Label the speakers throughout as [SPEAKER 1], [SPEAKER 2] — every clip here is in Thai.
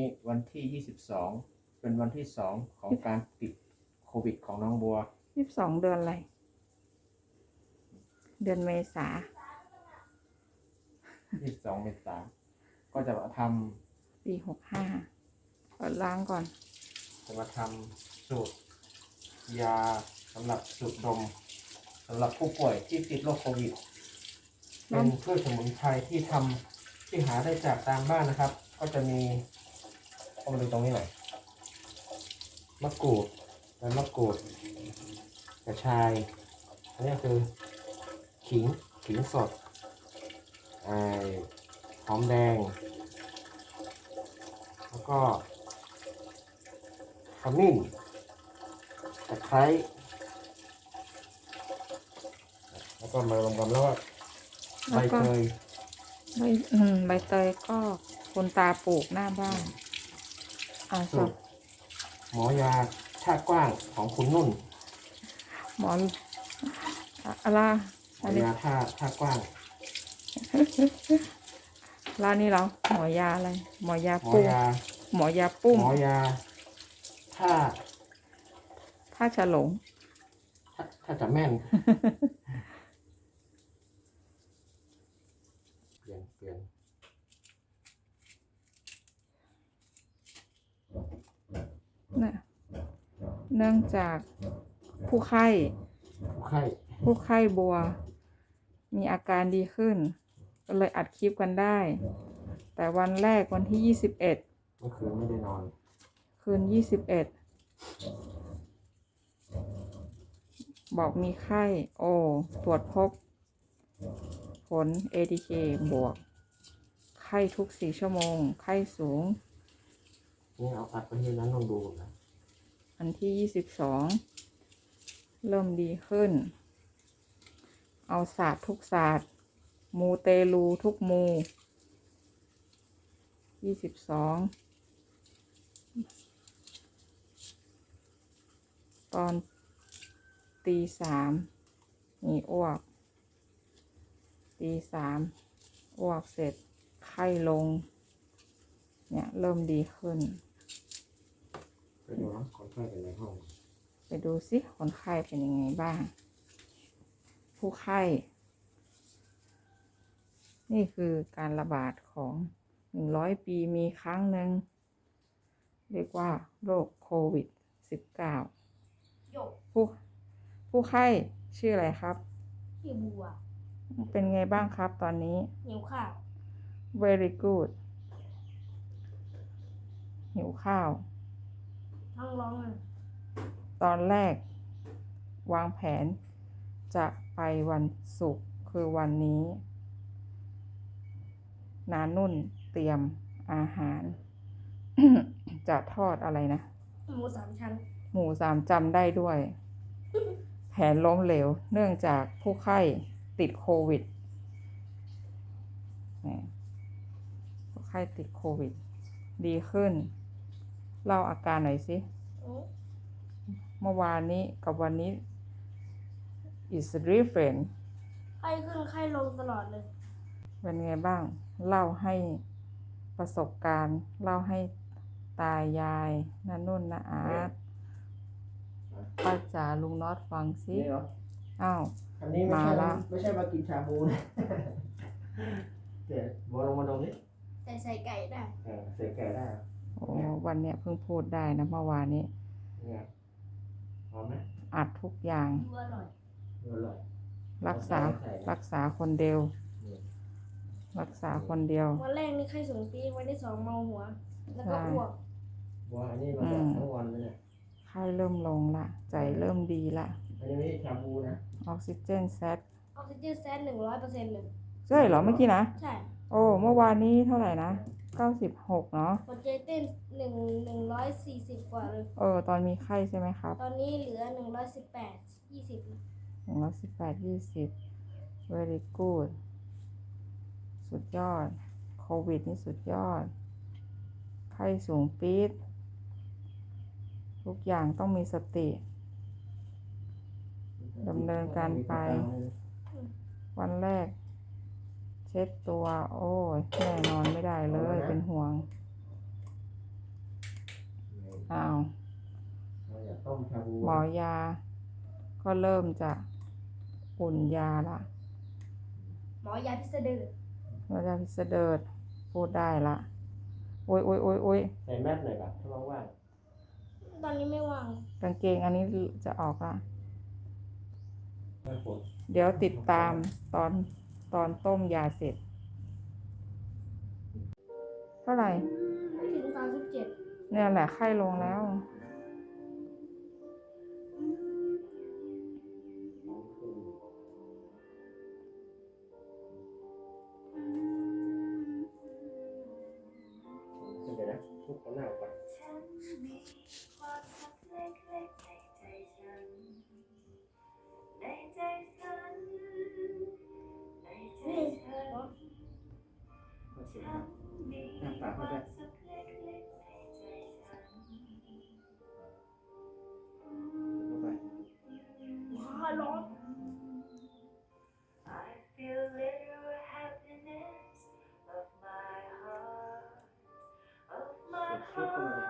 [SPEAKER 1] วันที่22เป็นวันที่2ของการติดโควิดของน้องบัว
[SPEAKER 2] 22เดือนอะไรเดือนเมษา
[SPEAKER 1] 22เมษายนก็จะมาท
[SPEAKER 2] ปี65เปิดล้างก่อน
[SPEAKER 1] จะมาทำสูตรยาสำหรับสูดดมสำหรับผู้ป่วยที่ติดโรคโควิดเป็นพืชสมุนไพรที่หาได้จากตามบ้านนะครับก็จะมีเอามาดูตรงนี้หน่อยมะกรูดและมะกรูดกระชายอันนี้คือขิงสดหอมแดงแล้วก็ขมิ้นตะไคร้แล้วก็มารวมกันแล้วก็ใบเตย
[SPEAKER 2] ใบเตยก็คุณตาปลูกหน้าบ้าน
[SPEAKER 1] สูตรหมอยาท่ากว้างของคุณนุ่น
[SPEAKER 2] หมออะไร
[SPEAKER 1] หมอยาท่ากว้าง
[SPEAKER 2] ร้านนี้เหรอหมอยาอะไรหมอยาปุ้มหมอยาปุ้ม
[SPEAKER 1] หมอยา
[SPEAKER 2] ท่าฉลง
[SPEAKER 1] ถ้าจะแม่นเปลี่ยน
[SPEAKER 2] เนี่ยเนื่องจากผู้ไข้บัวมีอาการดีขึ้นก็เลยอัดคลิปกันได้แต่วันแรกวันที่21เ
[SPEAKER 1] มื่อคืนไม่ได้นอน
[SPEAKER 2] คืน21บอกมีไข้ตรวจพบผล ATK บวกไข้ทุก4ชั่วโมงไข้สูง
[SPEAKER 1] นี่เอาอัดไปที่นั้นลองดูนะ
[SPEAKER 2] อันที่22เริ่มดีขึ้นเอาศาสตร์ทุกศาสตร์มูเตลูทุกมู22ตอนตี3มีอ้วกตี3อ้วกเสร็จไข้ลงเนี่ยเริ่มดีขึ้น
[SPEAKER 1] ไปดูนะคนไข้เป็นในห้อง
[SPEAKER 2] ไปดูสิคนไข้เป็นยังไงบ้างผู้ไข้นี่คือการระบาดของ100 ปีมีครั้งหนึ่งเรียกว่าโรคโควิด19ผู้ไข้ชื่ออะไรครับ
[SPEAKER 3] ชื่อบัว
[SPEAKER 2] เป็นไงบ้างครับตอนนี้
[SPEAKER 3] หิวข้าว
[SPEAKER 2] very good หิวข้าว
[SPEAKER 3] ท้องร้องเลย
[SPEAKER 2] ตอนแรกวางแผนจะไปวันศุกร์คือวันนี้นานุ่นเตรียมอาหาร จะทอดอะไรนะ
[SPEAKER 3] หมู3 ชั้น
[SPEAKER 2] หมู3จำได้ด้วย แผนล้มเหลวเนื่องจากผู้ไข้ติดโควิดผู้ไข้ติดโควิดดีขึ้นเล่าอาการหน่อยสิเมื่อวานนี้กับวันนี้ is different
[SPEAKER 3] ไข้ขึ้นไข้ลงตลอดเลย
[SPEAKER 2] เป็นไงบ้างเล่าให้ประสบการณ์เล่าให้ตายายน้านุ่นน้าอาร์ตป้าจ๋าลุงน็อตฟังสิอ้าว
[SPEAKER 1] อันนี้ไม่ใช่มากินชาบูนะเดี๋ยวบัวลงมาตรงนี้
[SPEAKER 3] ใส่ไก่ได้
[SPEAKER 1] ใส่ไก่ได้
[SPEAKER 2] วันเนี้ยเพิ่งพูดได้นะเมื่อวานนี้
[SPEAKER 1] หอมไหม
[SPEAKER 2] อัดทุกอย่าง
[SPEAKER 3] อร่อย
[SPEAKER 2] รักษาคนเดียวรักษาคนเดียว
[SPEAKER 3] วันแรกนี่ไข้สูงปีวันที่2เมาหัวแล้วก็อ้วก
[SPEAKER 1] บัวอันนี้มาทั้งวันเลยเนี่ย
[SPEAKER 2] ไข้เริ่มลงละใจเริ่มดีละ
[SPEAKER 1] อันนี้ไม่ใช่ชาบูนะ
[SPEAKER 2] ออกซิเจนแซด
[SPEAKER 3] 100%เลย
[SPEAKER 2] ใช่เหรอเมื่อกี้นะ
[SPEAKER 3] ใช่
[SPEAKER 2] เมื่อวานนี้เท่าไหร่นะ96เนาะ
[SPEAKER 3] หัวใจเต้น140กว่าเลย
[SPEAKER 2] ตอนมีไข้ใช่ไหมครับ
[SPEAKER 3] ตอนนี้เหลือ118 20
[SPEAKER 2] very good สุดยอดโควิดนี่สุดยอดไข้สูงปี๊ดทุกอย่างต้องมีสติดำเนินการไปวันแรกเช็ดตัวแน่นอนไม่ได้เลยเป็นห่วงอ้าว
[SPEAKER 1] เราอยากต้มชาบู
[SPEAKER 2] หมอยา ก็เริ่มจะอุ่นยาละ
[SPEAKER 3] หมอยาพิสดาร
[SPEAKER 2] หมอยาพิสเดิร์ดพูดได้ละ โอ้ยโอ้ยโอ้ยโอ้ย
[SPEAKER 1] ใส่แมสหน่อยครับถ้าว่าง
[SPEAKER 3] ตอนนี้ไม่ว่าง
[SPEAKER 2] กางเกงอันนี้จะออกละ
[SPEAKER 1] ๆไม่ปวด
[SPEAKER 2] เดี๋ยวติดตามตอนต้มยาเสร็จ เท่าไหร่
[SPEAKER 3] ไม่ถึง37
[SPEAKER 2] เนี่ยแหละไข้ลงแล้ว
[SPEAKER 1] เดี๋ยวนะทุกคนหน้าก่อน
[SPEAKER 3] นี่
[SPEAKER 1] มาเสียงหน้าปากเขาด้วยเข้าไป
[SPEAKER 3] ว้าร้อน
[SPEAKER 1] ซุปเข้าไป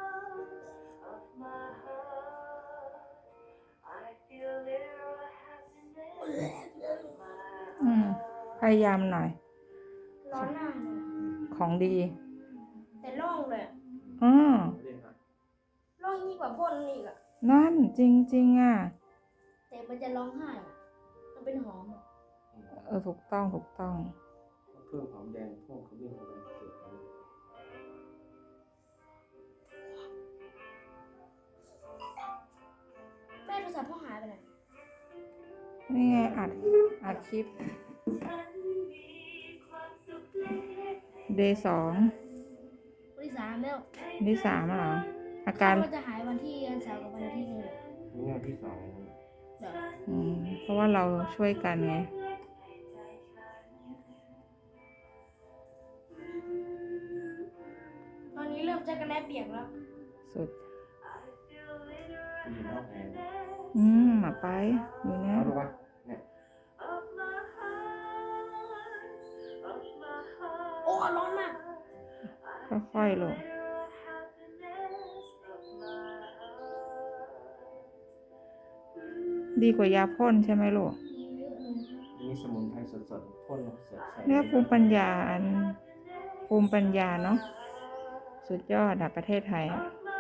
[SPEAKER 2] พยายามหน่อย
[SPEAKER 3] ร้อนหน้าเลย
[SPEAKER 2] ของดี
[SPEAKER 3] แต่ร่องเลย
[SPEAKER 2] อ๋อ
[SPEAKER 1] เรียกครับ
[SPEAKER 3] ร่องยิ่งกว่าพ่นอีกอะ
[SPEAKER 2] นั่นจริงๆอ่ะ
[SPEAKER 3] แต่มันจะร้องไห้อะมันเป็นหอมอะ
[SPEAKER 2] ถูกต้องถูกต้อง
[SPEAKER 1] เพิ่มหอมแดงเพิ่มขมิ้นเข้าไปสูตรเขา
[SPEAKER 3] แม่โทรศัพท์พ่อหายไปไหน
[SPEAKER 2] นี่ไงอัดคลิป เดย์2
[SPEAKER 3] วันที่3แล้ว
[SPEAKER 2] เดย์3เหรอ อาการ
[SPEAKER 3] ว่าจะหายวันที่วันเสาร์กับวันอาทิตย์เลยแหละ
[SPEAKER 1] นี่งานที่สอง
[SPEAKER 3] เดี๋ยว
[SPEAKER 2] เพราะว่าเราช่วยกันไง
[SPEAKER 3] ตอนนี้เริ่มจะกระแลเปียกแล้ว
[SPEAKER 2] สุด
[SPEAKER 1] มีนอกแอร์
[SPEAKER 2] มาไป อยู่นะ
[SPEAKER 1] เอาดูวะเนี่ย
[SPEAKER 3] โอ้ร้อนมาก
[SPEAKER 2] ค่อยๆลง ดีกว่ายาพ่นใช่ไหมลูก
[SPEAKER 3] เยอะเลย
[SPEAKER 1] นี่สมุนไพรสดๆพ่นใส่
[SPEAKER 2] เนี่ยภูมิปัญญาเนาะ สุดยอดอะประเทศไทยอะ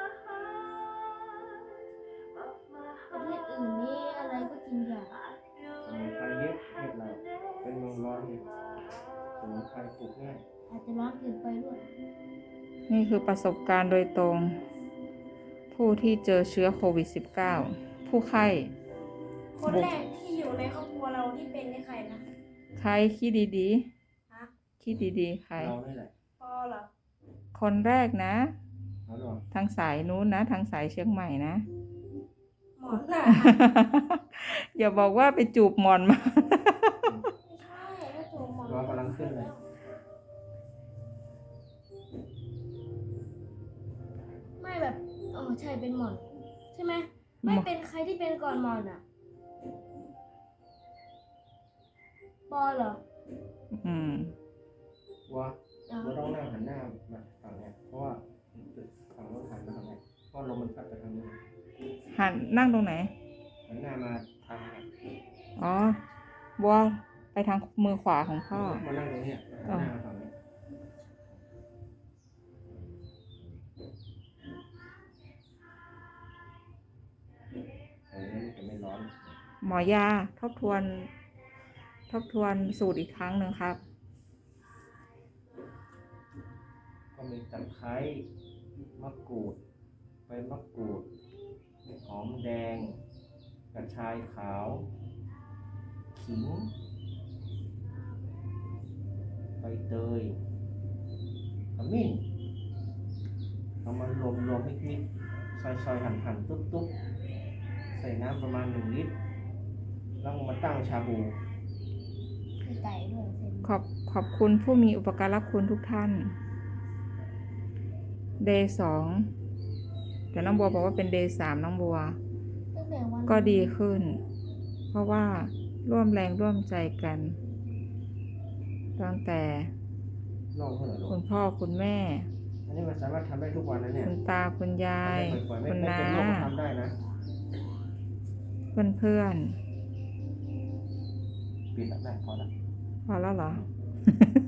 [SPEAKER 3] ประเทศอื่นนี่อะไรก็กินยา
[SPEAKER 1] สมุนไพรเยอะประเทศเราเป็นเมืองร้อนเนี่ยสมุนไพรปลูกง่าย
[SPEAKER 3] อาจจะร้อนเกินไปด้วย
[SPEAKER 2] นี่คือประสบการณ์โดยตรง ผู้ที่เจอเชื้อโควิด -19 ผู้ไข้
[SPEAKER 3] คนแรกที่อยู่ในครอบครัวเราที่เป็นนี่ใครนะ
[SPEAKER 2] ใครคิดดี
[SPEAKER 3] ฮะ
[SPEAKER 2] ๆ คิดดีๆ ใคร
[SPEAKER 1] เรานี่แหละ
[SPEAKER 3] ปอเหรอ
[SPEAKER 2] คนแรกนะ
[SPEAKER 1] เอาหรอ
[SPEAKER 2] ทางสายนู้นนะ ทางสายเชียงใหม่นะ
[SPEAKER 3] หมอนน่ะ
[SPEAKER 2] อย่าบอกว่าไปจูบหมอนมา
[SPEAKER 3] ไม่ใช่ถ้าจูบหมอน
[SPEAKER 1] ร้อนกำลังขึ้นเลย
[SPEAKER 3] ไม่แบบอ๋อใช่เป็นหมอน ใช่ไหมไม่เป็นใครที่เป็นก่อนหมอนอ่ะปอเหรอ
[SPEAKER 2] อืม
[SPEAKER 1] ว่า
[SPEAKER 3] อ๋อ
[SPEAKER 1] เราต้องนั่งหันหน้ามาฝั่งเนี้ยเพราะว่าฝั่งโน้นหันมาทางเนี้ยเพราะลมมันพัดไปทางนี้
[SPEAKER 2] หันนั่งตรงไหน
[SPEAKER 1] หันหน้ามาทางเนี้ย
[SPEAKER 2] อ๋อ บัวไปทางมือขวาของพ่อ
[SPEAKER 1] มานั่งตรงเนี้ยหันหน้ามาฝั่งนี้มันจะไม่ร้อน
[SPEAKER 2] หมอยาทบทวนสูตรอีกครั้งหนึ่งครับ
[SPEAKER 1] ก็มีตะไคร้มะกรูดใบมะกรูดหอมแดงกระชายขาวขิงใบเตยขมิ้นเอามารวมมิกซอยหั่นตุ๊บใส่น้ำประมาณ1 ลิตรแล้วมาตั้งชาบู
[SPEAKER 3] มีไก่ด้วยเส้น
[SPEAKER 2] ขอบคุณผู้มีอุปการะคุณทุกท่าน เดย์2แต่น้องบัวบอกว่าเป็นเดย์3น้องบัว
[SPEAKER 3] ตั้งแต่วัน
[SPEAKER 2] ก็ดีขึ้น เพราะว่าร่วมแรงร่วมใจกัน ตั้งแต่
[SPEAKER 1] ลองเท่าไหร่ลู
[SPEAKER 2] คุ
[SPEAKER 1] ก
[SPEAKER 2] ณพ่อคุณแม่
[SPEAKER 1] อันนี้มันมันสามารถทำได้ทุกวันนะเนี่ย
[SPEAKER 2] คุณตาคุณยาย
[SPEAKER 1] ทำได้บ่อยๆไม่
[SPEAKER 2] คุณ
[SPEAKER 1] ไม่
[SPEAKER 2] น้า
[SPEAKER 1] เป็นโรคก็ทำได้นะ
[SPEAKER 2] เพื่อน
[SPEAKER 1] ปิดแล้วแม่พอแล้ว
[SPEAKER 2] ๆพอแล้วเหรอ